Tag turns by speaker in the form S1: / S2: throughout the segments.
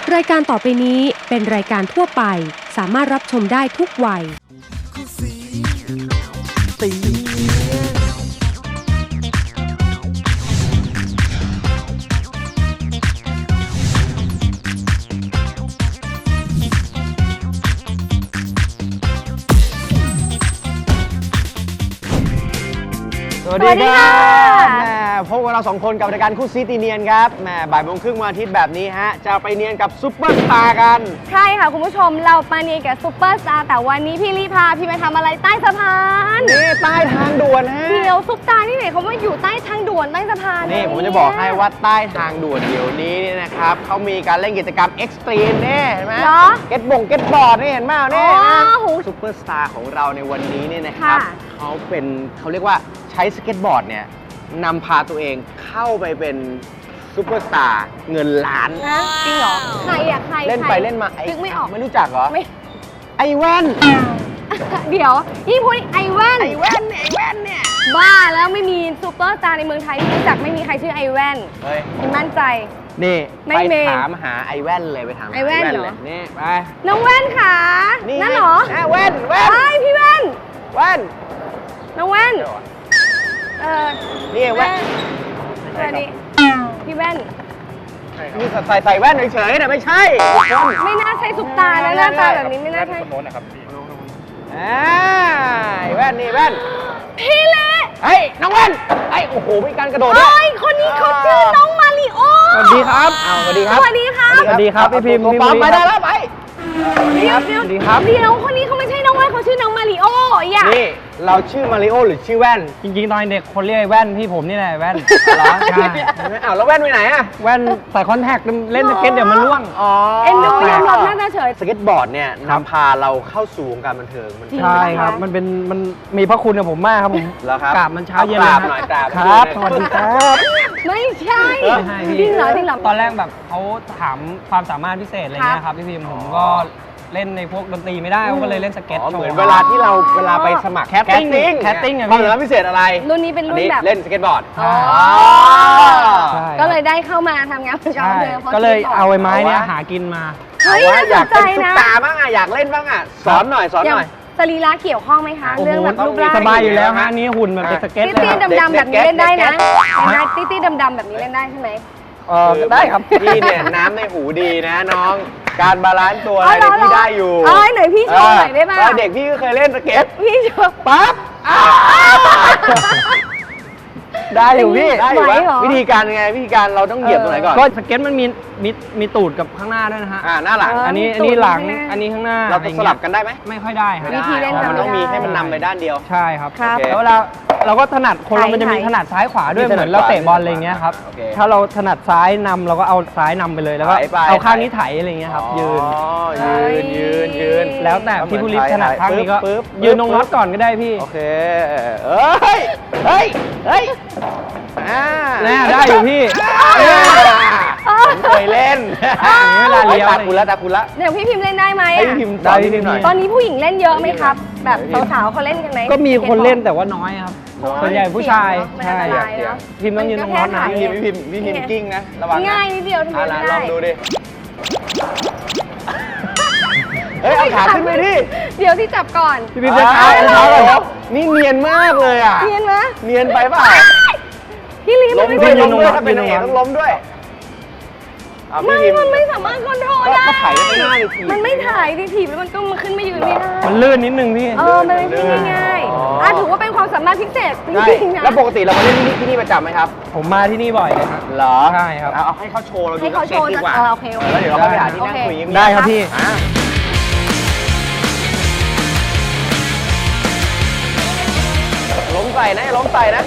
S1: รายการต่อไปนี้เป็นรายการทั่วไปสามารถรับชมได้ทุกวัย
S2: สวัสดีครับพบกับเรา2คนกับรายการคู่ซีตีเนียนครับบ่ายโมงครึ่งวันอาทิตย์แบบนี้ฮะจะไปเนียนกับซุปเปอร์สตาร์กัน
S3: ใช่ค่ะคุณผู้ชมเรามาเนียนกับซุปเปอร์สตาร์แต่วันนี้พี่รีพาพี่มาทำอะไรใต้สะพาน
S2: นี่ใต้ทางด่วนฮะ
S3: เดี๋ยวซุปตาที่ไหนเขาว่าอยู่ใต้ทางด่วนใต้สะพาน
S2: นี่ผมจะบอกให้ว่าใต้ทางด่วนเดี๋ยวนี้เนี่ยนะครับเขามีการเล่นกิจกรรมเอ็กซ์ตรีมนี่เห็นไหมเก็ตบอร์ดนี่เห็นไหมนี่ซุปเปอร์สตาร์ของเราในวันนี้เนี่ยนะครับเขาเรียกว่าใช้สเก็ตบอร์ดเนี่ยนำพาตัวเองเข้าไปเป็นซุปเปอร์สตาร์เงินล้าน
S3: จริงเหรอใครอะใคร
S2: เล่นไปเล่นมา
S3: นึกไม่ออก
S2: ไม่รู้จักเหรอไอแว่น
S3: เดี๋ยวยิ่งพูดไอแว่น
S2: เนี่ย
S3: บ้าแล้วไม่มีซุปเปอร์สตาร์ในเมืองไทยที่รู้จักไม่มีใครชื่อไอแว่นคุณมั่นใจ
S2: นี่ไปถามหาไอแว่นเลยไปถามไอแว่นเลยนี่ไป
S3: น้องแว่นค่ะนั่นเหรอ
S2: แว่น
S3: พี่แว่นน้องแว่น
S2: นี่แว่น
S3: สวัสดีพี่แว่น
S2: นี่ใส่แว่นเฉยๆนะไม่ใช่
S3: ไม่น่าใช่ซุปตานะหน้าตาแบบนี้ไม่น่าใช่
S2: โน้นนะครับพี่แว่นนี่แว่น
S3: พี่เล่
S2: เฮ้ยน้องแว่นโอ้โหมีการกระโดดด้วย
S3: คนนี้เขาชื่อน้องมาริโอ
S2: สวัสดีครับสวัสดีครับพี่พิมพ์ไปได้แล้วไป
S3: เดี๋ยวคนนี้เขาไม่ใช่น้องแว่นเขาชื่อน้องมาริโอ
S2: นี่เราชื่อมาริโอหรือชื่อแว่น
S4: จริงๆตอนเด็กคนเรียกแว่นพี่ผมนี่แหละแว่น
S2: เหรอใช่แล้วแว่นไปไหนอะ
S4: แว่นใส่คอนแทคเล่นสเก็ตเดี๋ยวมันร่วง
S3: เอ็นดูยอมรับน่าเฉย
S2: สเก็ตบอร์ดเนี่ยนำพาเราเข้าสู่วงการบันเทิง
S4: ใช่ครับมันมีพระคุณกับผมมากครับผมกราบมันเช้าเย็น
S2: เลยหน่อยกราบ
S4: ครับสวัสดีครับ
S3: ไม่ใช่จริงเหรอ
S4: ตอนแรกแบบเขาถามความสามารถพิเศษอะไรเงี้ยครับพี่พิมผมก็เล่นในพวกดนตรีไม่ได้ก็เลยเล่นสเก็ต
S2: เหมือนเวลาที่เวลาไปสมัครแคสติ้งความสามารถพิเศษอะไร
S3: รุ่นนี้เป็นรุ่นแบบ
S2: เล่นสเก็ตบอร์ด
S3: ก็เลยได้เข้ามาทำงานเป็นการเดิน
S4: ก็เลยเอาไม้เนี่ยหากินมา
S2: อยากเป็นซุปตาบ้างอยากเล่นบ้างสอนหน่อย
S3: สรีระเกี่ยวข้องไหมคะเรื่องแบบรูปร่าง
S4: สบายอยู่แล้วฮะนี่หุ่นแบบเป็นสเก็ต
S3: ตี้ดำๆแบบนี้เล่นได้นะตี้ดำๆแบบนี้เล่นได้ใช่ไหม
S4: ได้ครับ
S2: พี่เนี่ยน้ำในหูดีนะน้องการบาลานซ์ตัวอะไรพี่ได้อยู่
S3: ไหนพี่โชว์หน่อยได้ไหม
S2: เด็กพี่ก็เคยเล่นสเก็ต
S3: พี่โชว์
S2: ปั๊บได้อยู่พี่วิธีการไงวิธีการเราต้องเหยียบตรงไหนก่อน
S4: ก็สเก็ตมันมีตูดกับข้างหน้าด้วยนะฮะ
S2: หน้าหลัง
S4: อันนี้หลังอันนี้ข้างหน้า
S2: เราสลับกันได้ไหม
S4: ไม่ค่อยได้ครับ
S3: วิธีเล่น
S2: มันต้องมีให้มันนำไปด้านเดียว
S4: ใช่ครับแล้วเราก็ถนัดคนเรามันจะมีถนัดซ้ายขวาด้วยเหมือนเราเตะบอลอะไรเงี้ยครับถ้าเราถนัดซ้ายนำเราก็เอาซ้ายนำไปเลยแล้วก็เอาข้างนี้ไถอะไรเงี้ยครับยืนแล้วแต่พี่ผู้ริถนัดข้างนี้ก็ยืนตรงน็อตก่อนก็ได้พี่
S2: โอเคเฮ้ย
S4: ได้อยู่พี่
S2: เคยเล่นเวลาเลี้ยวตาคุณละ
S3: เดี๋ยวพี่พิมพ์เล่นได้ไหม
S2: พี่พิมพ์ได้พี่พิมพ์หน่อย
S3: ตอนนี้ผู้หญิงเล่นเยอะไหมครับแบบสาวๆเขาเล่นกันไหม
S4: ก็มีคนเล่นแต่ว่าน้อยครับส่วนใหญ่ผู้ชาย
S3: ใช่
S4: พิมพ์ต้องยืนตรงน็อตนะ
S2: พี่พิมพ์กิ้งนะระวัง
S3: ง่ายนิดเดียวทำไมไม่ได้
S2: ลองดูดิเอาขาขึ้นไปดิ
S3: เดี๋ยวที่จับก่อน
S4: พี่พิมพ์จะช้าก่อน
S2: นี่เนียนมากเลยอ่ะ
S3: เนียนไหม
S2: เนียนไปเปล่า
S3: พี่ลี
S2: ล้มด้วยถ้าเป็นนางเอกต้องล้มด้วย
S3: มันไม่สามารถคอนโทรลได้
S2: ก็ถ่ายได้ง่ายเลยที
S3: มันไม่ถ่ายดิถีบแล้วมันก็มาขึ้นมายืนไม่ได้
S4: มันลื่นนิดนึงพี่
S3: มันไม่ใช่ง่ายถือว่าเป็นความสามารถพิเศษจริงๆนะ
S2: แล้วปกติเรามาเล่นที่นี่ประจำไหมครับ
S4: ผมมาที่นี่บ่อยเลยครับ
S2: เหรอ
S4: ใช่ครับ
S2: เอาให้เขาโชว์เราดู
S3: ให้เขาโชว์
S2: ดีกว่า
S3: โอเค
S2: แล้วเดี๋ยวเราไปหาที่นั่งคุย
S4: ได้ครับพี่
S2: ล้มใส่นะ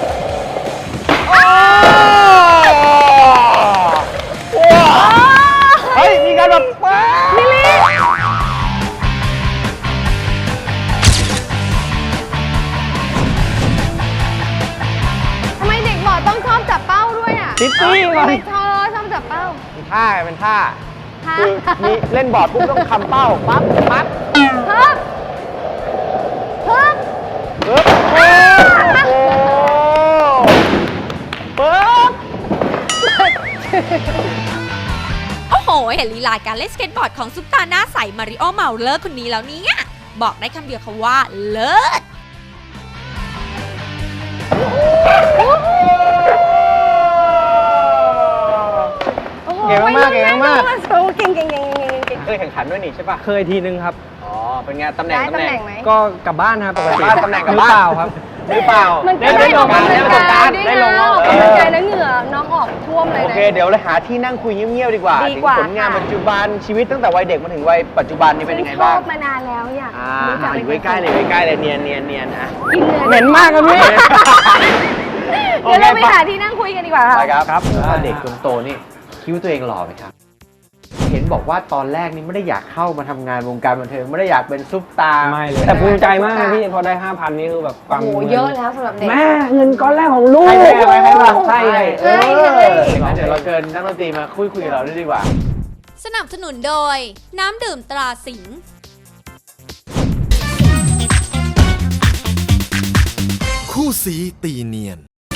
S2: เฮ้ยมีการแบบ
S3: มิลลี่ทำไมเด็กบอดต้องชอบจับเป้าด้วยอ่ะ
S4: ติ๊ตี้
S3: ทำไมชอบจับเป้า
S2: เป็นท่าคือมีเล่นบอร์ดปุ๊บต้องคำเป้าปั๊บ
S5: โอ้โหเห็นลีลาการเล่นสเก็ตบอร์ดของซุปตาหน้าใสมาริโอเมาเลอร์คนนี้แล้วเนี่ยบอกได้คำเดียวค่ะว่าเลิศ
S2: เก่งมากเก่งมาก
S3: เก่ง
S2: เคยแข่งขันด้วยนี่ใช่ป่ะ
S4: เคยทีนึงครับ
S2: อ๋อเป็นไงตำแหน่ง
S3: ได้ตำแหน่งไหม
S4: ก็กลับบ้านครับปกติ
S2: ตำแหน่งกลับ
S4: มือ
S2: บ้าน
S4: เปล่าครับ
S2: หรือเปล่า
S3: มันก็
S2: ได้
S3: ได้
S2: ล
S3: ออง ก
S2: กาก
S3: ำ
S2: ร
S3: ลัง
S2: ได้ลง
S3: กาย
S2: การ
S3: ด้วย
S2: ได้ลง
S3: นะออกกำลังกายแล้วเหงื่อน้องออกท่วมเลย
S2: โอ
S3: นะ
S2: เคเดี๋ยวเราหาที่นั่งคุยเงียบๆดีกว่า
S3: ดีกว่า
S2: ถึงผลงาน
S3: ค่ะ
S2: ปัจจุบันชีวิตตั้งแต่วัยเด็กมาถึงวัยปัจจุบันนี่เป็นยังไงบ้าง
S3: ชอบมานานแล้วอยากรู้จัก
S2: อยู่ใกล้ๆเลยใกล้ๆเลยเนียนอ่ะ
S3: กิน
S4: เหม็นมากครับพี่
S3: เดี๋ยวเราไปหาที่นั่งคุยกันดีกว่าค่ะ
S2: ไปครับ
S4: ครับ
S2: ตอนเด็กจนโตนี่คิดว่าตัวเองหล่อไหมครับ เห็นบอกว่าตอนแรกนี่ไม่ได้อยากเข้ามาทำงานวงการบันเทิงไม่ได้อยากเป็นซุปตาร์
S4: ไม่เลย แต่ภูมิใจมากนะพี่พอได้ 5,000 นี่คือแบบฟัง
S3: โอ้โหเยอะแล้วสำหรับเด็ก
S4: แม่เงินก้อนแรกของลูก
S2: ให้แม่ไว้ให้บ้าง
S4: ใช่
S2: เอองั้นเดี๋ยวเราเชิญนักดนตรีมาคุยกับเราด้วยดีกว่า
S5: สนับสนุนโดยน้ำดื่มตราสิงห์
S6: คู่สีตีเนียน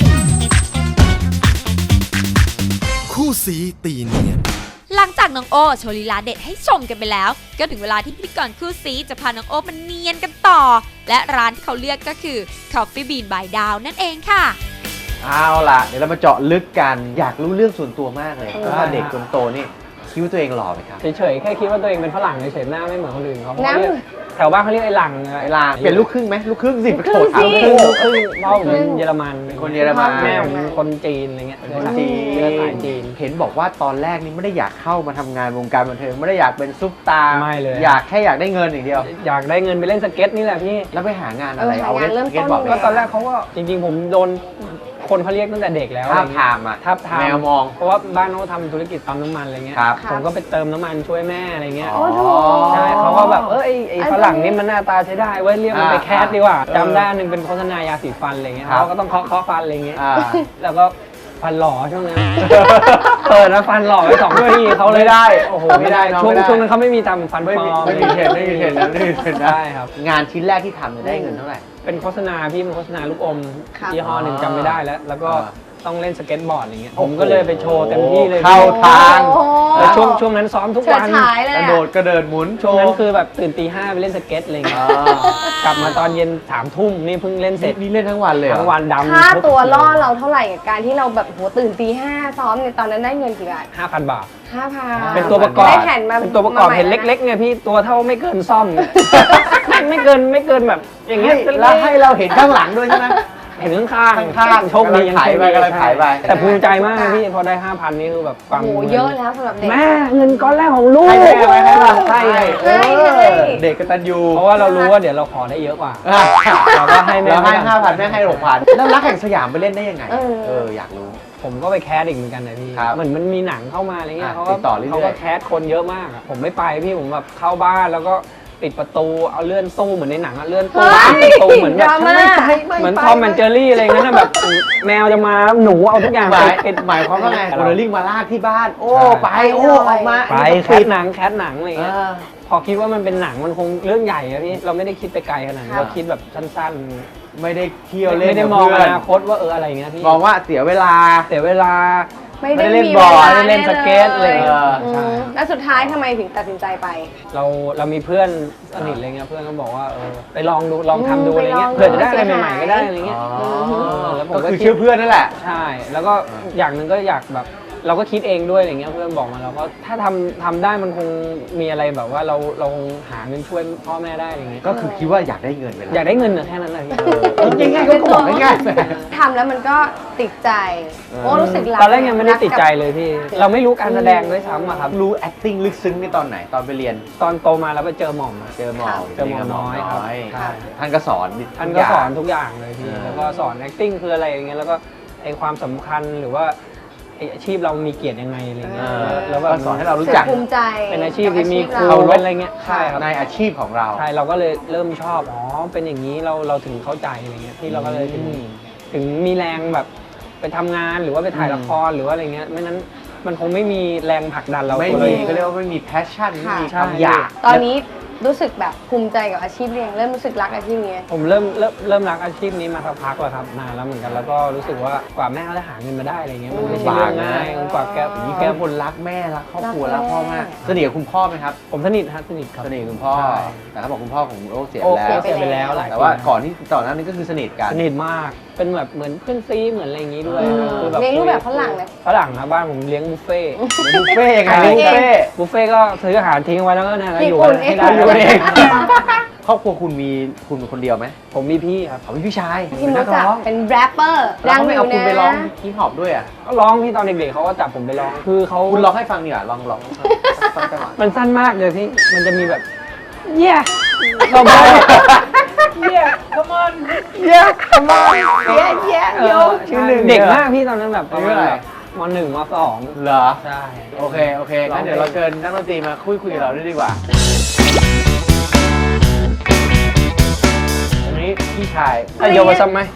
S6: คู่สีตีเนียน
S5: หลังจากน้องโอโชว์ลีลาเด็ดให้ชมกันไปแล้ว ก็ถึงเวลาที่พิธีกรคู่ซีจะพาน้องโอมาเนียนกันต่อ และร้านที่เขาเลือกก็คือ Coffee Bean by Dow นั่นเองค่ะ
S2: เอาล่ะเดี๋ยวเรามาเจาะลึกกันอยากรู้เรื่องส่วนตัวมากเลยว่าเด็กจนโตนี่คิดว่าตัวเองหล่อไหมครับ
S4: เฉยๆแค่คิดว่าตัวเองเป็นฝรั่งเฉยๆหน้าไม่เหมือนคนอื่นเขาเพราะ
S3: น้ำ
S4: เรียกแถวบ้านเขาเรียกไอ้หลัง
S2: ไอ้ลางเป็นลูกครึ่งไหมลูกครึ่งสิ
S3: ลูกครึ่งสิ
S4: ลูกครึ่งพ่อผมเป็นเยอรมัน
S2: คนเยอรมัน
S4: แม่ผมเป็นคนจีนอะไรเงี้ย
S2: เป็นคนจีน
S4: เชื้อสายจีน
S2: เห็นบอกว่าตอนแรกนี่ไม่ได้อยากเข้ามาทำงานวงการบันเทิงไม่ได้อยากเป็นซุปตาร์
S4: ไม่เลย
S2: อยากได้เงินอย่างเดียว
S4: อยากได้เงินไปเล่นสเก็ตนี่แหละพี่
S2: แล้วไปหางานอะไร
S3: หางานเริ่มต้น
S2: สก็ตบอร์ด
S4: ก็ตอนแรกเขาก็จริงๆผมโดนคนเขาเรียกตั้งแต่เด็กแล้ว
S2: ทาบทามอ่ะ
S4: ทับทาม
S2: แมวมอง
S4: เพราะว่าบ้านเขาทำธุรกิจปั๊มน้ำมันอะไรเงี้ย
S2: ครับ
S4: ผมก็ไปเติมน้ำมันช่วยแม่อะไรเงี้ย
S3: โอ้โห
S4: ใช่เขาก็แบบไอ้ฝรั่งนี่มันหน้าตาใช้ได้เว้ยเรียกมันไปแคสดีกว่าจำได้อันหนึงเป็นโฆษณายาสีฟันอะไรเงี้ย
S2: ครับ
S4: เขาก็ต้องเคาะฟันอะไรเงี้ย
S2: อ่า
S4: แล้วก็ฟันหล่อช่วงนั้น เปิดแล้วฟันหล่อไป2 นาทีเขาเลย
S2: ไม่ได้
S4: โอ้โห
S2: ไม่ได้น้อง
S4: ช่วง
S2: ไม่ได้
S4: ช่วงนั้นเขาไม่มีทำฟันปลอม
S2: ไม่มีเทรนไม่มีเทรนนะไม่มีเทรนนะ
S4: ได้ครับ
S2: งานชิ้นแรกที่ทำเนี่ยได้เงินเท่าไหร่
S4: เป็นโฆษณาพี่เป็นโฆษณาลูกอม
S3: ครับ
S4: ยี่ห้อหนึ่งจำไม่ได้แล้วก็
S2: อ่า
S4: ต้องเล่นสเก็ตบอร์ดอย่างเงี้ย
S2: โอ้
S4: ผ
S2: โห
S4: มก็เลยไปโชว์เต็มที่เลย
S2: เข้าทาง
S3: โอ้โห
S4: แล้วช่วงนั้นซ้อมทุก
S3: เฉิ
S4: วั
S3: ด
S4: น
S3: ฉายเลย
S2: กระ
S3: อะ
S2: โดดกระเดินหมุนโช
S4: ช่วง
S2: ว์
S4: นั้นคือแบบตื่นตี 5ไปเล่นสเก็ตอะไรเงี้ย กลับมาตอนเย็น3 ทุ่มนี่เพิ่งเล่นเสร็จ
S2: นี่เล่นทั้งวันเลยเหรอ
S4: ทั้งวันดำ
S3: ค่า
S4: ทุก
S3: ตัวล่อเราเท่าไหร่กับการที่เราแบบโหตื่นตี 5ซ้อมเนี่ยตอนนั้นได้เงินกี่บาท
S4: 5,000 บาท
S3: 5,000
S4: เป็นตัวประกอบ
S3: ได้แผ่นมา
S4: เป็นตัวประกอบ
S3: มาใหม่
S4: เห็นเล็กๆเนี่ยพี่ตัวเท่าไม่เกินซ่อม ไม่เกินแบบอย่างเงี้ย
S2: แล้วให้เราเห็นข้างหลังด้วยใช่ไหม
S4: เห็นข้างๆ
S2: ข้างๆ
S4: โชคดียัง
S2: กำลังขายไป
S4: โชคดี
S2: กำลังขายไป
S4: แต่ภูมิใจมากนะพี่พอได้ 5,000 นี่คือแบบฟัง
S3: โอ้โหเยอะแล้วสำหรับเด็ก
S4: แม่เงินก้อนแรกของลูก
S2: ให้แม่ไว้ให้บ้าง
S4: ใช่
S2: เออเด็กกตัญญู
S4: เพราะว่าเรารู้ว่าเดี๋ยวเราขอได้เยอะกว่า
S2: อ่ะ
S4: เราก็ให้แม่
S2: เราให้
S4: บ้าง
S2: 5,000แม่ให้6,000แล้วรักแห่งสยามไปเล่นได้ยังไง อยากรู้
S4: ผมก็ไปแคสอีกเหมือนกันนะพี่
S2: ครับ
S4: เหมือนมันมีหนังเข้ามาอะไรเงี้ย
S2: อ่ะ
S4: เขาก็
S2: ติดต่อเรื่อยๆ
S4: เขาก็แคสคนเยอะมากอะผมไม่ไปพี่ผมแบบเข้าบ้านแล้วก็ปิดประตูเอาเลื่อนตู้เหมือนในหนังอะเลื่อนตู้
S3: เฮ้ย
S4: ปิดประตูเหมือนแบบ
S3: ดราม่า
S4: เหมือนทอมแอนเจอรี่อะไรเงี้ยนะแบบแมวจะมาหนูเอาทุกอย่าง
S2: หมาย
S4: ปิด
S2: หมายความว่าไงโมเดลลิ่งมาลากที่บ้าน โอ้
S4: ใช่
S2: ไปโอ้ออกมา
S4: ไปแค
S2: ปิ
S4: ส
S2: ด
S4: หนังอะไรเงี้ย พอคิดว่ามันเป็นหนังมันคงเรื่องใหญ่อะพี่เราไม่ได้คิดไปไกลขนาดนั้น
S3: ครับ
S4: เราคิดแบบสั้น
S2: ไม่ได้เที่ยว
S4: ๆ
S2: เล่น
S4: ไม่ได้
S2: กับ
S4: มอง
S2: เพื่
S4: อ
S2: อน
S4: นาคตว่าอะไรเงี้ยพี่
S2: มองว่าเสียเวลา
S4: เสียเวลา
S3: ไม่
S2: ไม่
S3: ได้
S2: ได้เล่น
S3: มี
S2: บอล
S3: วา
S4: ไม่ได้เล่นสเก็ตเลย
S3: อืมแล้วสุดท้ายทำไมถึงตัดสินใจไป
S4: เรามีเพื่อนสนิทอะไรเงี้ยเพื่อนก็บอกว่าไปลองดูลองทำดู
S3: ไป
S4: อะไร
S3: ลอง
S4: เงี้ย
S3: ดู
S4: เผื่อจะได้อะไร
S3: เสีย
S4: ให
S3: หาย
S4: ม่ๆก็ได้อะไรเงี้ยแล้วผม
S2: ก็
S4: ก็
S2: คือ
S4: คิด
S2: เชื่อเพื่อนนั่นแหละ
S4: ใช่ แล้วก็อย่างหนึ่งก็อยากแบบเราก็คิดเองด้วยอะไรเงี้ยเพื่อนบอกมาเราก็ถ้าทำได้มันคงมีอะไรแบบว่าเราคงหาเงินช่วยพ่อแม่ได้อะไรเงี้ย
S2: ก็คือคิดว่าอยากได้เงินไปแล้ว
S4: อยากได้เงินอะแค่นั้นเลย
S2: ง่ายๆก็บอกง่ายๆ
S3: ทำแล้วมันก็ติดใจ โอ้รู้สึกรัก
S4: ตอนแรกยังไม่ได้ติดใจเลยพี่เราไม่รู้การแสดงด้วยซ้ำอะครับ
S2: รู้ acting ลึกซึ้งในตอนไหนตอนไปเรียน
S4: ตอนโตมาแล้วไปเจอหม่อมอะ
S2: เจอหมอ
S4: เจอหมอน้อยครับใช่
S2: ท่านก็สอน
S4: ท่านก็สอนทุกอย่างเลยพี่
S2: เออ
S4: แล้วก็สอน acting คืออะไรอย่างเงี้ย แล้วก็ไอความสำคัญหรือว่าไออาชีพเรามีเกียรติยังไงอะไรเงี้ย แล้วแบบ
S2: ก็สอนให้เรารู้
S3: รู้
S2: จั
S3: จั
S2: ก
S3: กภูมิใจ
S4: เป็นอาชีพที่มีครู
S2: เคารพ
S4: เป็นอะไรเงี้ย ใช่ครับ
S2: ในอาชีพของเรา
S4: ใช่ เราก็เลยเริ่มชอบ อ๋อ เป็นอย่างนี้เราถึงเข้าใจอะไรเงี้ย ที่เราก็เลยถึงมีแรงแบบไปทำงานหรือว่าไปถ่ายละครหรือว่าอะไรเงี้ย ไม่นั้นมันคงไม่มีแรงผลักดันเรา
S2: ไม่
S4: ตัว
S2: มี
S4: เอง
S2: ก็เรียกว่าไม่มี passion ไม่มีค
S3: ค่ะ
S2: วามอยาก
S3: ตอนนี้รู้สึกแบบภูมิใจกับอาชีพเรียงเริ่มรู้สึกรักอาชีพนี้
S4: ผมเริ่มรักอาชีพนี้มาสักพักแล้วครับนานแล้วเหมือนกันแล้วก็รู้สึกว่ากว่าแม่เขาจะหาเงินมาได้อะไรเงี้ยมันไม่ใช่เรื่องง่ายกว่าแก
S2: แกคนรักแม่รักครอบครัวรักพ่อมากสนิทกับคุณพ่อไหมครับ
S4: ผมสนิทครับสนิทครับ
S2: สนิทกับคุณพ่อ
S4: ใช่
S2: แต่เขาบอกคุณพ่อของโอ้เสีย
S4: โอ้
S2: แล้ว
S4: เสียไปแล้วหลาย
S2: แต่ว่า
S4: ปี
S2: ก่อนหน้านี้ก็คือสนิทกัน
S4: สนิทมากเป็นแบบเหมือนเพื่อนซีเหมือนอะไรอย่างงี้ด้วยคือแบบ
S3: เลี้ยงรูปแบบฝรั่งเลย
S4: ฝรั่งนะบ้านผมเลี้ยงบุฟเฟ่ต์
S2: บุฟเฟ่ต์ยังไง
S3: ใช่
S2: บุฟเฟ่ต์
S4: บุฟเฟ่ต์ก็ซื้ออาหารทิ้งไว้แล้วก็เนี่ยก็อยู่
S3: ญี่ปุ่น
S4: ให้ได้
S3: เอง
S4: อยู่เอง
S2: ครอบครัวคุณเป็นคนเดียวไหม
S4: ผมมีพี่ครับ
S2: เขาเป็นพี่ชาย
S3: พี่มดจะเป็นแรปเปอร์
S2: แล้ว
S3: ดัง
S2: เขา
S3: อ
S2: ไม่เอา
S3: ยู่
S2: คุณไป
S3: นะ
S2: ร้องฮิปฮอปด้วยอ่ะ
S4: ก็ร้องพี่ตอนเด็กๆเขาก็จับผมไปร้องคือเขา
S2: คุณร้องให้ฟังดีกว่าลองสักจังหวะ
S4: มันสั้นมากเลยพี่มันจะมีแบบเย่เราไปเย่ come on
S2: เย้come on เย้
S4: โยชื่อหนึ่งเด็กมากพี่ตอนนั้นแบบประมาณแบบม.1 ม.2
S2: เหรอ
S4: ใช่
S2: โอเคงั้นเดี๋ยวเราเชิญนักดนตรีมาคุยกับเราด้วยดีกว่าอันนี้พี่ชาย
S4: ไอโยมาซ้ำไหม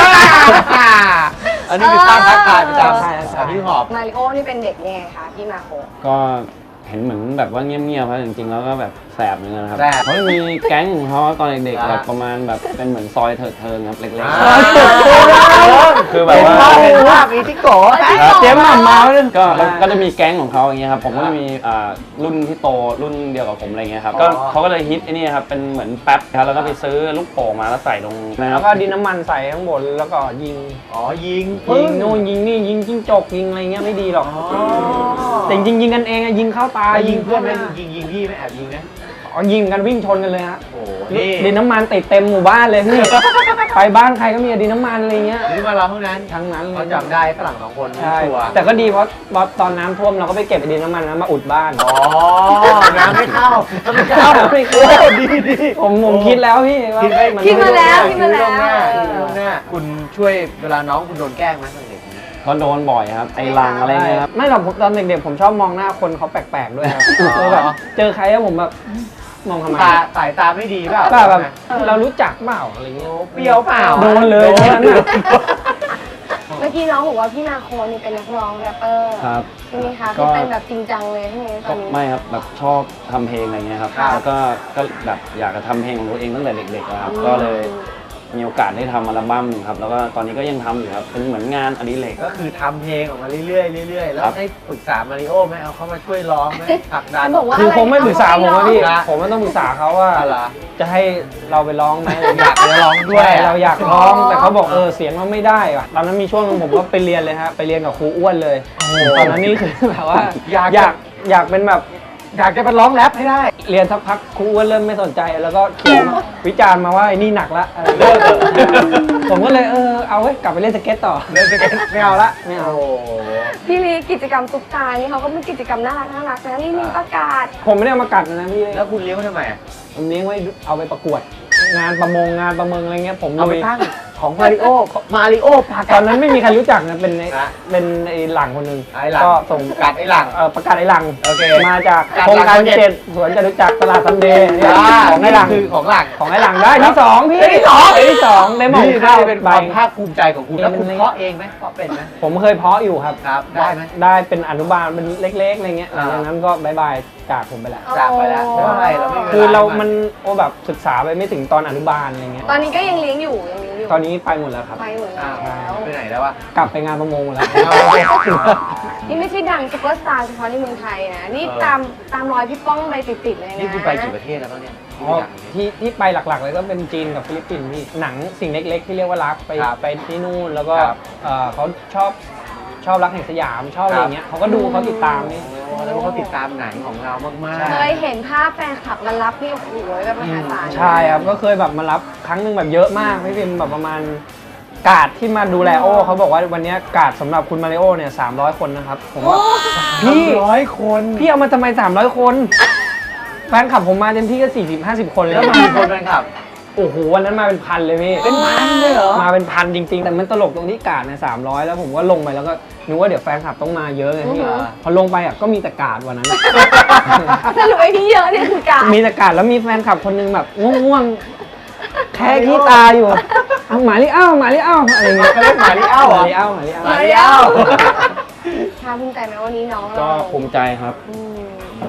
S2: อันนี้คือสร้างทักทายประจ
S4: ใช่
S2: ำฮิปฮอป
S3: มาริโอนี่เป็นเด็กยังไงคะพี่มาโค
S7: ก็เห็นเหมือนแบบว่าเงียบๆครับจริงๆแล้วก็แบบแสบเหมือนกันนะครับ
S2: แสบ
S7: เขาจะมีแก๊งของเขาตอนเด็กๆ
S2: อ่า
S7: แบบประมาณแบบเป็นเหมือนซอยเถิดเทิงครับเล็ก
S2: ๆ
S7: คือแบบว่า
S2: เห็นภาพมีที่โกะ
S4: เจ๊หม่ำเมาเลย
S7: ก็จะมีแก๊งของเขาอย่างเงี้ยครับผมก็จะมีรุ่นที่โตรุ่นเดียวกับผมอะไรเงี้ยครับก็เขาก็เลยฮิตไอ้นี่ครับเป็นเหมือนแป๊บครับแล้วก็ไปซื้อลูกโป่งมาแล้วใส่ลงนะค
S4: แล้
S7: รั
S4: ว
S7: บ
S4: ก็ดินน้ำมันใส่ข้างบนแล้วก็ยิง
S2: อ๋อยิง
S4: ยิงนู่นยิงนี่ยิงจิ้งจกยิงอะไรเงี้ยไม่ดีหรอกแต่จริงๆยิงกันเองอะยิงเข้าตา
S2: ยิงเพื่อนไหมยิงพี่ไหมแอบยิงนะ
S4: อ๋อยิงกันวิ่งชนกันเลยฮะ
S2: โอ้นี่
S4: ดินน้ำมันติดเต็มหมู่บ้านเลยพี่ ไปบ้านใครก็มีดินน้ำมันอะไรเงี้ย
S2: นี่มาเราเท่านั้น
S4: ทั้งนั้นเล
S2: เขา
S4: ย
S2: จำได้ฝรั่ง2 คน
S4: ใช่
S2: ชัวร์
S4: แต่ก็ดีเพราะตอนน้ำท่วมเราก็ไปเก็บไอ้ดินน้ำมันนั้นมาอุดบ้าน
S2: อ๋อน้ำไม่เข้าไม่เข้า
S4: ไม่เข้า
S2: ดี
S4: ผมคิดแล้วพี่ว่า
S3: คิดมาแล้ว
S2: คิดล่วงหน้าคุณช่วยเวลาน้องคุณโดนแกล้งไหมตอนเด็ก
S7: ก็โดนบ่อยครับไอ้ลังอะไรเงี้ยครับ
S4: ไม่หรอกตอนเด็กๆผมชอบมองหน้าคนเขาแปลกๆด้วยครับคือแบบเจอใครแล้วผมแบบมองทำไม
S2: สายตาไม่ดีเปล่า
S4: แบบเรารู้จักเปล่าอะไรเงี้ย
S2: เปรี้ยวเปล่า
S4: โดนเลยตอนนั้นน่ะ
S3: เมื่อกี้น้องบอกว่าพี่มาโคนี่เป็นนักร้องแรปเปอร์
S7: ครับ
S3: ใช่ไหมคะ
S7: ก็
S3: ที่เป็นแบบจริงจังเลยใช่ไหมต
S7: ก็
S3: อนนี้
S7: ไม่ครับแบบชอบทำเพลงอะไรเงี้ยครับ
S3: ครับ
S7: แล้วก็แบบอยากจะทำเพลงของตัวเองตั้งแต่เด็กๆนะครับก็เลยมีโอกาสได้ทำอัลบั้มหนึ่งครับแล้วก็ตอนนี้ก็ยังทำอยู่ครับเป็นเหมือนงานอดิเรก
S2: ก็คือทำเพลงออกมาเรื่อยๆแล้ว
S7: ครับ
S2: ได้ปรึกษามาริโอไหมเอาเขามาช่วยร้องไหมผลักดัน
S3: เขาบอกว่า
S4: คือคงไม่ปรึกษาผมว่าพี่
S2: นะ
S4: ผมก็ต้องปรึกษาเขาว่า
S2: อะไรอ
S4: จะให้เราไปร้องไหม
S2: อยากจะร้องด้วย
S4: ใช่เราอยากร้องแต่เขาบอกเสียงเราไม่ได้ว่ะตอนนั้นมีช่วงนึงผมก็ไปเรียนเลยฮะไปเรียนกับครูอ้วนเลยตอนนั้นนี่คือแบบว่าอยากเป็นแบบ
S2: อยากจะไปร้องแรปให้ได้
S4: เรียนสักพักครูอ้วนเริ่มไม่สนใจแล้วก็เขียนวิจารณ์มาว่าไอ้นี่หนักละอะไรอย่างเงี้ยผมก็เลยเอาไว้กลับไปเล่นสเก็ตต่อ
S2: เล่นสเก็ตไม่เอาละ
S4: ไม่เอา
S2: โอ้โห
S3: พี่ลีกิจกรรมซุปตานี่เขาก็มีกิจกรรมน่ารักนะนี่มีประกาศ
S4: ผมไม่ได้เอามากัดนะพี่
S2: แล้วคุณเลี้ยงเขาทำไม
S4: ผมเลี้ยงไว้เอาไปประกวด งานประมงอะไรเงี้ยผม
S2: เอาไป
S4: ลุย
S2: ตั้งของมาริโอพา
S4: ตอนนั้นไม่มีใครรู้จักนะเป็นไอ้หลังคนหนึง
S2: ไอ้หลัง
S4: ก็ส่ง
S2: กัดไอ้หลัง
S4: ประกาศไอ้หลัง
S2: โอเค
S4: มาจาก
S2: กัด
S4: โครงการ
S2: หลัง7
S4: 7สวนจตุจักรตลาดซันเดย์เนี่ยของไอ้หลัง
S2: คือของหลัง
S4: ของไอ้หลังได้ที่สองพี่
S2: ได้ที่สอง
S4: ได้ที่สองได้หมอง
S2: นี่
S4: ข้าว
S2: เป็นค
S4: ใบ
S2: วามภาคภูมิใจของคุณแล้วคุณเพาะเองไหมเพาะเป็นไหม
S4: ผมเคยเพาะอยู่ครับ
S2: ครับได้ไหม
S4: ได้เป็นอนุบาลเป็นเล็กๆอะไรเงี้ยหลังจากนั้นก็บายบายจากผมไปแล้ว
S2: จากไปแล้วเพราะอะไรเราไม่มีวล
S4: คือเรามันแบบศึกษาไปไม่ถึงตอนอนุบาลอะไรเงี้ย
S3: ตอนนี้ก็ยังเลี้ยงอยู่
S4: ตอนนี้ไปหมดแล้วครับ
S3: ไปหมดแล้
S2: อ้าว
S3: ว
S2: ไปไหนแล้ววะ
S4: กลับไปงานประมงหมดแล้ว
S3: นี่ไม่ใช่ดังซุปเปอร์สตาร์เฉพาะในเมืองไทยนะนี่ตามรอยพี่ป้องไปติดๆเลยนะ
S2: นี่คุณไปกี่ประเทศแล้วบ้างเนี่ย
S4: อ๋อที่ไปหลักๆเลยก็เป็นจีนกับฟิลิปปินส์พี่หนังสิ่งเล็กๆที่เรียกว่ารักไปที่นู่นแล้วก็เขาชอบรักแห่งสยามชอบอะไรเงี้ยเขาก็ดูเขาติดตามนี่
S2: แล้วเขาติดตามหนังของเรามาก
S3: เคยเห็นภาพแฟนคลับมารับนี่โอ้โหแบบมหาศาล
S4: ใช่ครับก็เคยแบบมารับครั้งหนึงแบบเยอะมากพี่พิมแบบประมาณกาดที่มาดูแลโอเขาบอกว่าวันนี้กาดสำหรับคุณมาริโอเนี่ย300 คนนะครับผมว่า
S2: ๆ
S4: พี่
S2: 100 คน
S4: พี่เอามาทำไม300 คนแฟนคลับผมมาเต็มที่ก็40-50 คนเลย
S2: แล้วมากี่คนแฟนคลับ
S4: โอ้โหวันนั้นมาเป็นพันเลยพี่
S2: เป็นพันเลยเหรอ
S4: มาเป็นพันจริงๆแต่มันตลกตรงที่กาดเนี่ย300แล้วผมก็ลงไปแล้วก็นึกว่าเดี๋ยวแฟนคลับต้องมาเยอะไงพี่พอลงไปอ่ะก็มีแต่กาดวันนั้น
S3: สรุปไอ้ที่เยอะเนี่ยคือการ
S4: มีแต่กาดแล้วมีแฟนคลับคนนึงแบบง่วงๆแค่ขี้ตาอยู่เอาหมาลิเอ้าอะไรเงี้ย
S2: เขาเรียกหมาลิเอ้าเหรอ
S4: หมาลิเอ้า
S2: มาริโอ
S3: ชาภูมิใจไหมวันนี้น้อง
S7: ก็
S3: เรา
S7: ภูมิใจครับ
S3: อืม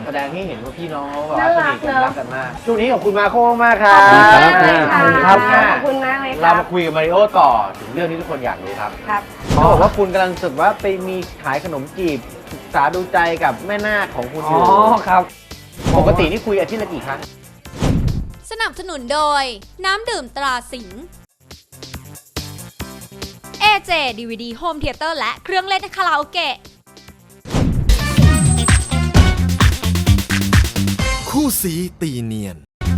S2: แสดงให้เห็นว่าพี่น้องเขาแบบ
S3: น่า
S2: ส
S3: รั
S2: นิ
S3: ก
S2: ทกัน
S3: เนอะ
S2: รักกันมากช่วงนี้ขอบคุณมาโค้มากครั
S3: ข
S2: บ
S3: อบคุณมากเลยค่ะ
S2: ครับ
S3: ขอบคุณมากเลยค
S2: เรา
S3: รับ
S2: มาคุยกับมาริโอต่อถึงเรื่องที่ทุกคนอยากรู้ครับ
S3: ครับ
S2: เขาบอกว่าคุณกำลังศึกว่าไปมีขายขนมจีบศึกษาดูใจกับแม่นาคของคุณอ
S4: อ๋อยู่ ครับ
S2: ปกตินี่คุยอาทิตย์ละกี่ครั้ง
S5: สนับสนุนโดยน้ำดื่มตราสิงห์ AJ DVD Home Theater และเครื่องเล่นคาราโอเกะ
S6: คู่สีตีเนียน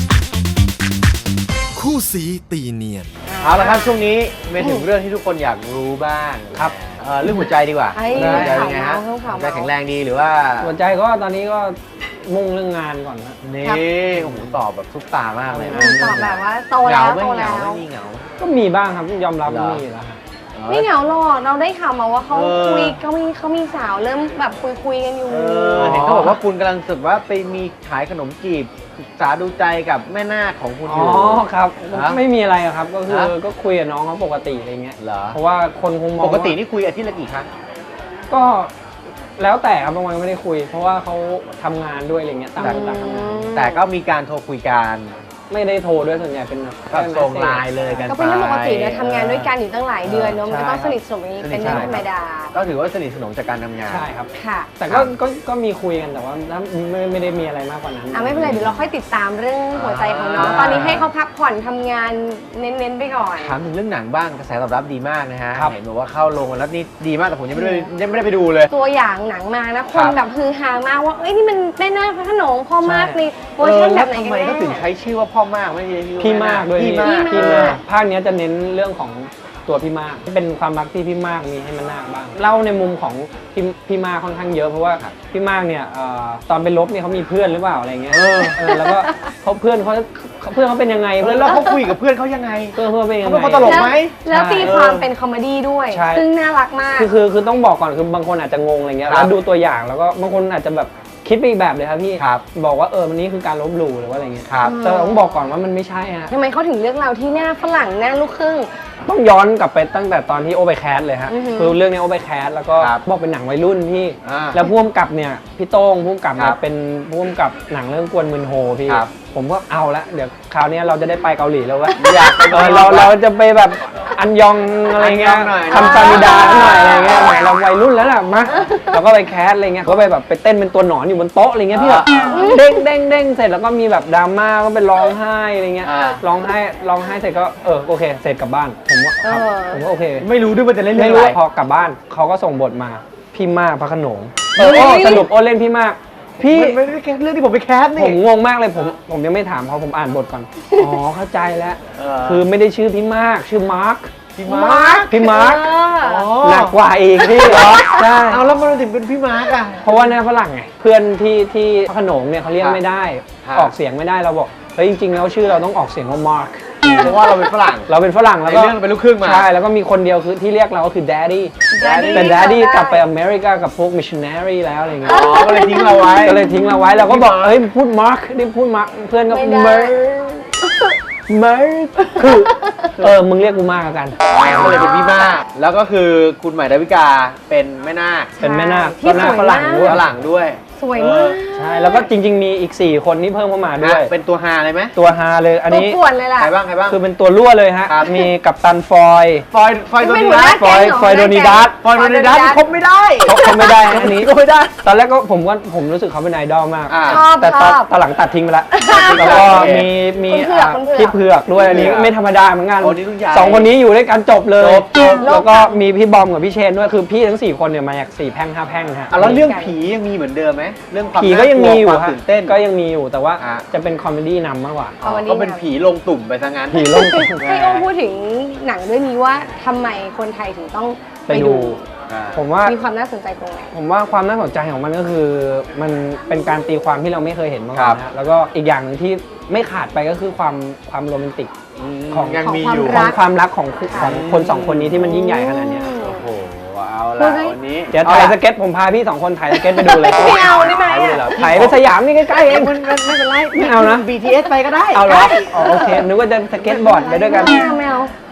S6: คู่สีตีเนียน
S2: เอาละครับช่วงนี้มาถึงเรื่องที่ทุกคนอยากรู้บ้าง
S4: ครับ
S2: เรื่องหัวใจดีกว่า
S3: ไอ้
S2: หัวใจเป็นไงฮะ
S3: ข่าวเมาส์
S2: หัวใจแข็งแรงดีหรือว่า
S4: หัวใจก็ตอนนี้ก็มุ่งเรื่องงานก่อนนะ
S2: นี่โอ้โหตอบแบบซุปตามากเลยนะ
S3: ตอบแบบว่าโต
S2: เห
S3: แล้
S2: งาว ไม่
S3: โต
S2: เห
S3: แล้
S2: งาว ไม่มีเหงา
S4: ก็มีบ้างครับยอมรับ
S2: เหรอ
S4: มีอยู่แล้วครับ
S3: ไม่เหงาหรอกเราได้ข่าวมาว่าเขา
S2: เออ
S3: คุยเขามีสาวเริ่มแบบคุยกันอยู่
S2: เห็นเขาบอกว่าคุณกำลังศึกว่าไปมีขายขนมจีบศึกษาดูใจกับแม่นาคของคุณอ
S4: อ๋อยู่ ครับ
S2: ฮะ
S4: ไม่มีอะไรครับก็คือ
S2: ฮะ
S4: ก็คุยกับน้องเขาปกติอะไรเงี้ย
S2: เหรอ
S4: เพราะว่าคนคงมอง
S2: ปกติ
S4: ว่า
S2: นี่คุยอาทิตย์ละกี่ครั้ง
S4: ก็แล้วแต่ครับบางวันก็ไม่ได้คุย เพราะว่าเขาทำงานด้วยอะไรเงี้ยต่างคนต่างทำงาน
S2: แต่ก็มีการโทรคุยกัน
S4: ไม่ได้โทรด้วยส่วนใหญ่เป็นแบบ
S2: ก็ส่งไลน์เลยกัน
S3: ก็เป็นเรื่องปกตินะทำงานด้วยกันอยู่ตั้งหลายเดือนเนอะมันก็ต้อง
S4: ใช่
S3: สนิทสนมอย่างนี้เป็นเรื่องธรรมดา
S2: ก็ถือว่าสนิทสนมจากการทำงาน
S4: ใช่ครับ
S3: ค่ะ
S4: แต่ก็มีคุยกันแต่ว่าไม่ได้มีอะไรมากกว่านั้น
S3: ไม่เป็นไรเดี๋ยวเราค่อยติดตามเรื่องหัวใจของน้อง
S2: อ่า
S3: ตอนนี้ให้เขาพักผ่อนทำงานเน้นๆไปก่อน
S2: ถามถึงเรื่องหนังบ้างกระแสตอบรับดีมากนะฮะ
S4: ครับ
S2: เห็นบอกว่าเข้าโรงแล้วนี่ดีมากแต่ผมยังไม่ได้ไปดูเลย
S3: ตัวอย่างหนังมานะค
S2: ครั
S3: น
S2: บ
S3: แบบฮือฮามากว่าเอ้ยนี่มันแม่นาคพระโขนงพ่อมาก
S4: ใช่
S3: ในเวอร์ชันแบบไหน
S2: ทำ
S3: กัน
S2: ไม
S3: แน่
S2: ก็ถึงใช้ชื่อว่าพ่อมากไม่ใช่ชื่อ
S4: พี่มากด้วย
S2: พี่มาก
S3: พี่มาก
S4: ภาคเนี้ยจะเน้นเรื่องของตัวพี่มากเป็นความรักที่พี่มากมีให้มันนาคบ้างเล่าในมุมของพี่มากค่อนข้างเยอะเพราะว่าพี่มากเนี่ยตอนไปลบเนี่ยเขามีเพื่อนหรือเปล่าอะไรเงี้ยแล้วก็เพื่อนเขาเป็นยังไง
S2: แล้วเขาคุยกับเพื่อนเขายังไง
S4: เพื่อนเป็นยัง
S2: เขา
S4: ไง
S2: เป็นคนตลกไหม
S3: แล้วตีความเป็นคอมเมดี้ด้วย
S4: ใช่
S3: ซึ่งน่ารักมาก
S4: คือต้องบอกก่อนคือบางคนอาจจะงงอะไรเงี้ย
S2: ครับ
S4: แล้วดูตัวอย่างแล้วก็บางคนอาจจะแบบคิดไปอีกแบบเลยครับพี่
S2: ครับ
S4: บอกว่าวันนี้คือการลบหลู่หรือว่าอะไรเงี้ย
S2: ครับ
S4: แต่ต้องบอกก่อนว่ามันไม่ใช่ฮะ
S3: ทำไมเขาถึงเลือกเราที่หน้าฝรั่งหน้าลูกครึ่ง
S4: ต้องย้อนกลับไปตั้งแต่ตอนที่โอไปแคสเลยฮะ
S3: อือหือ
S4: คือเรื่องนี้โอไปแคสแล้วก็
S2: ครับ
S4: บอกเป็นหนังวัยรุ่นพี่
S2: อ่า
S4: แล้วผู้กำกับเนี่ยพี่โต้งผู้กำกับ
S2: ค
S4: เนี่
S2: รั
S4: ย
S2: บ
S4: เป็นผู้กำกับหนังเรื่องกวนมืนโฮพี่
S2: ครับ
S4: ผมก็เอาละเดี๋ยวคราวนี้เราจะได้ไปเกาหลีแล้ววะ
S2: อยากไป
S4: เราจะไปแบบอันยองอะไรเงี้ย
S2: อันยองหน่อย
S4: ทำซามิดาหน่อยอะไรเงี้ยแหมเราวัยรุ่นแล้วล่ะมาเราก็ไปแคสอะไรเงี้ยก็ไปแบบไปเต้นเป็นตัวหนอนอยู่บนโต๊ะอะไรเงี้ยพี่แบบเด้งเด้งเด้งเสร็จแล้วก็มีแบบดราม่าก็ไปร้องไห้อะไรเงี้ย
S2: อ่า
S4: ร้องไห้เสร็จก็โอเคเสร็จกลับบ้านผมว่าครับผมก็โอเค
S2: ไม่รู้ด้วยว่าจะเล่นเรื่
S4: ไม่
S2: อง
S4: รู้
S2: อะไร
S4: พอกลับบ้านเขาก็ส่งบทมาพี่มากพระโขนง
S3: เฮ้ย
S4: โอ้สรุปโอ้เล่นพี่มาก พี่
S2: ไม่ได้แคสเรื่องที่ผมไปแคส
S4: ผ
S2: นี่
S4: มงงมากเลยผมยังไม่ถามเขาผมอ่านบทก่อนอ๋อเข้าใจแล้ว
S2: เออ
S4: คือไม่ได้ชื่อพี่มากชื่อมาร์ค
S2: พี่มาร์ค
S4: พี่มาร์ค
S3: เออ
S4: หนักกว่าอีกพี่เหรอใช่
S2: เอาแล้วมันถึงเป็นพี่มาร์คอะ
S4: เพราะว่าในฝรั่งไงเพื่อนที่พระโขนงเนี่ยเขาเรียก
S2: ครับ
S4: ไม่ได้
S2: ครับ
S4: ออกเสียงไม่ได้เราบอกเฮ้ยจริงๆแล้วชื่อเราต้องออกเสียงว่ามาร์ค
S2: เพราะว่าเราเป็นฝรั่ง
S4: เราเป็นฝรั่งแล้ว
S2: ใน
S4: ก็
S2: เรื่องเป็นลูกครึ่งมา
S4: ใช่แล้วก็มีคนเดียวคือที่เรียกเราก็คือ daddy
S3: Daddy
S4: แต่ daddy
S3: ได้
S4: กลับไปอเมริกากับพวก missionary แล้วอะไรเงี้ย
S2: อ๋อก็เลยทิ้งเราไว้
S4: ก็เลยทิ้งเราไว้เราก็บอกเฮ้ยพูดมาร์คนี่พูดมาร์คเพื่อนก็
S3: ไม่ได้
S4: เมร์มึงเรียกกูมากแล้วกัน
S2: ก็เลยเป็นพี่มากแล้วก็คือคุณใหม่ดาวิกาเป็นแม่นาค
S4: เป็นแม่นาค
S3: ที่
S4: ก็หน้า
S3: สวย
S4: ฝรั่งด้วย
S2: ฝรั่งด้วย
S3: สวยมาก
S4: ใช่แล้วก็จริงๆมีอีก4คนที่เพิ่มเข้ามาด้วย
S2: เป็นตัวฮาเลยไหม
S4: ตัวฮาเลยอัน
S3: ตัว
S4: นี้
S3: ป่วนเลยล่ะ
S2: ใครบ้างใครบ้าง
S4: คือเป็นตัวรั่วเลยฮะ
S2: ครับ
S4: มีกัปตันฟอย
S2: ฟอยโดนิ
S3: ไม่
S2: ดัส
S3: เป็นหัวหน้าแก๊งเหรอ
S4: ฟอยโดนิดัส
S2: ฟอยโดนิดัสคบไม่ได้
S4: เขาไม่ได้นะอันนี้
S2: ก็ไม่ได้
S4: ตอนแรกก็ผมรู้สึกเขาเป็นไอดอลมาก
S2: อ่า
S3: ชอบ
S4: แต่
S3: ชอบ
S4: ตอนหลังตัดทิ้งไปแล้ว แล้วก็
S2: โอเค
S4: มี
S3: คุณเผือก
S4: พี่เผือกด้วยอันนี้
S2: เผือก
S4: ไม่ธรรมดาเหมือนกัน
S2: โอ้นี่รุ่นใหญ่
S4: สองคนนี้อยู่ด้วยกันจบเลย
S2: จบ
S4: แล้วก็มีพี่บอมกับพี่เชนด้วยคือพี่ทั้ง4คนเนี่ยมาจาก4แพร่ง5แพร่งฮะ
S2: อ่ะแล้วเรื่องผียังมีเหมือนเดิมไหมเรื่องความ
S4: ผีก็ยังมีอยู่
S2: ความ
S4: ฮะ
S2: ตื่นเต้น
S4: ก็ยังมีอยู่แต่ว่า
S2: อ่ะ
S4: จะเป็นคอมเมดี้นำมากกว่า
S3: เอาวันนี้
S2: ก็เป็นผีลงตุ่มไปซะงั้น
S4: ผีลง
S3: ให้โอ้พูดถึงหนังเรื่องนี้ว่าทำไมคนไทยถึงต้อง
S4: ไปดู ผมว่า
S3: มีความน่าสนใจตรงไหน
S4: ผมว่าความน่าสนใจของมันก็คือมันเป็นการตีความที่เราไม่เคยเห็นมาก่อน
S2: ครั
S4: นะ
S2: บ
S4: แล้วก็อีกอย่างหนึงที่ไม่ขาดไปก็คือความโรแมนติก ของ
S2: ยังมีอยู่
S3: ของ
S4: ของความรักของคนสองคนนี้ที่มันยิ่งใหญ่ขนาดเนี้ย
S2: โอ้โหเอา
S3: พู
S2: ละ
S3: ดให้
S2: วันนี้
S4: เดี๋ยวถ่ายสเก็ตผมพาพี่2คนถ่ายสเก็ตไปดูเลย
S3: ไม่เอาได้ไหมอะ
S4: ถ่ายเลยเหรอถ่ายไปสยามนี่ใกล้ๆเอง
S2: มันไม่เป็นไร
S4: ไม่เอานะ
S2: BTS ไปก็ได้
S4: เอาเหรออ๋อโอเคนึกว่าจะสเก็ตบอร์ดไปด้วยกัน
S3: ไม่เอาไม่เอา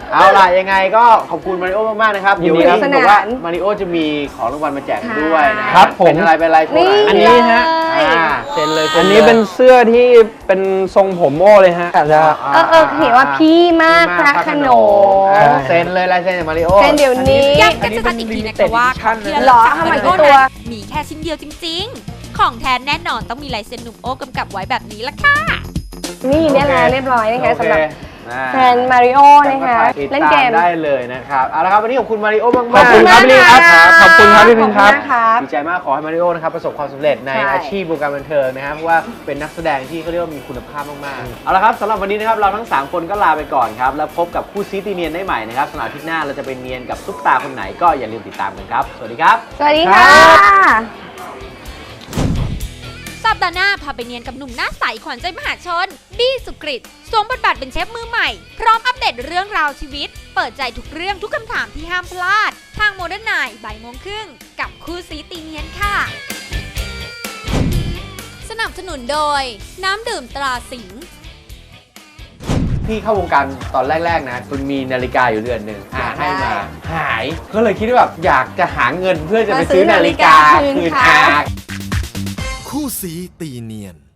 S2: เอาล่ะยังไงก็ขอบคุณมาริโอมากๆนะครับ
S4: ยินดี
S2: เดี๋ยว
S4: ครับ
S2: นี้บอกว่ามาริโอจะมีของรางวัลมาแจกด้วยนะ
S4: ครับผม
S2: เป็นอะไรโชว์หน่อย
S4: อันนี้ฮะ
S2: เซ็นเลย
S4: อันนี้เป็นเสื้อที่เป็นทรงผมโอ้เลยฮะอาจจะ
S3: เห็นว่าพี่มากพระโขนง
S2: เซ็นเลยลายเซ็นจากมาริโอ
S3: เซ็นเดี๋ยวนี้
S5: ย้ำกันชัดๆอีกทีนะคะว่าของที่ระ
S3: หร
S5: ลึ
S3: อก
S5: จาก
S3: ทำไม
S5: มาริโอ
S3: ตัว
S5: นั้นมีแค่ชิ้นเดียวจริงๆ ของแท้แน่นอนต้องมีลายเซ็นหนุ่มโอกำกับไว้แบบนี้ละค่ะ
S3: นี่ได้แล้วเรียบร้อยนะคะ
S2: โอเค
S3: สำหรับแฟนมาริโอนะคะ
S2: ติด
S3: เล่น
S2: ตา
S3: เก
S2: ม
S3: ม
S2: ได้เลยนะครับเอาละครับวันนี้ขอบคุณมาริโอมากๆ
S4: ขอบคุณครับพี่ลิครับขอบคุณครับพี่พิมพ์ครับ
S3: ขอณนะครับ
S2: ดีใจมากขอให้มาริโอนะครับประสบความสำเร็จใน
S3: ใช่
S2: อาชีพวงการบันเทิงนะครับเพราะว่าเป็นนักแสดงที่เขาเรียกว่ามีคุณภาพมากๆเอาละครับสำหรับวันนี้นะครับเราทั้ง3คนก็ลาไปก่อนครับแล้วพบกับคู่ซีตีเนียนได้ใหม่นะครับสำหรับอาทิตย์หน้าเราจะเป็นเนียนกับซุปตาคนไหนก็อย่าลืมติดตามกันครับสวัสดีครับ
S3: สวัสดีค่ะ
S5: สัปดาห์หน้าพาไปเนียนกับหนุ่มหน้าใสขวัญใจมหาชน บี้สุกฤตสวมบทบาทเป็นเชฟมือใหม่ พร้อมอัปเดตเรื่องราวชีวิต เปิดใจทุกเรื่องทุกคำถามที่ห้ามพลาด ทางโมเดิร์นไนท์บ่ายโมงครึ่งกับคู่ซีตีเนียนค่ะ สนับสนุนโดยน้ำดื่มตราสิงห์
S2: พี่เข้าวงการตอนแรกๆนะคุณมีนาฬิกาอยู่เรือนหนึ่งให้มาหายก็เลยคิดว่าแบบอยากจะหาเงินเพื่อจะไปซื้อนาฬิกาคืนอา
S6: คู่สีตีเนียน